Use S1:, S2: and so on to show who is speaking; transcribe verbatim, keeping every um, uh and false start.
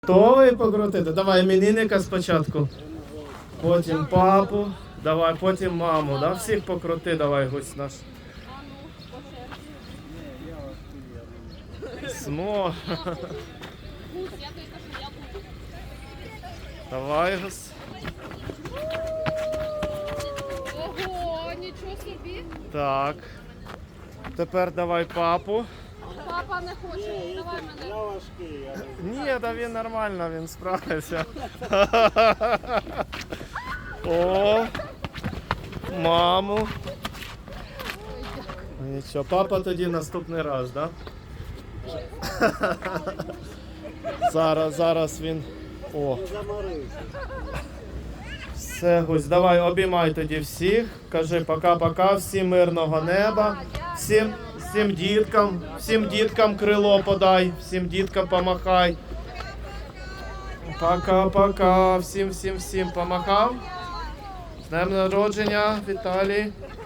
S1: Готовий покрутити? Давай іменинника спочатку. Потім папу. Давай, потім маму. Да? Всіх покрути, давай, гусь наш. Смо. Давай, гусь.
S2: Ого, нічого собі.
S1: Так. Тепер давай папу.
S2: Папа не хоче, давай мене.
S3: Я важкий, я не
S1: Ні, та він нормально, він справився. О, маму. Нічого, папа тоді наступний раз, да? Зараз, зараз він. О,
S3: заморився.
S1: все, Гусь, давай обіймай тоді всіх. Кажи пока-пока, всім мирного неба, всім, всім діткам, всім діткам крило подай, всім діткам помахай. Пока-пока, всім, всім, всім помахав. З днем народження, Віталій.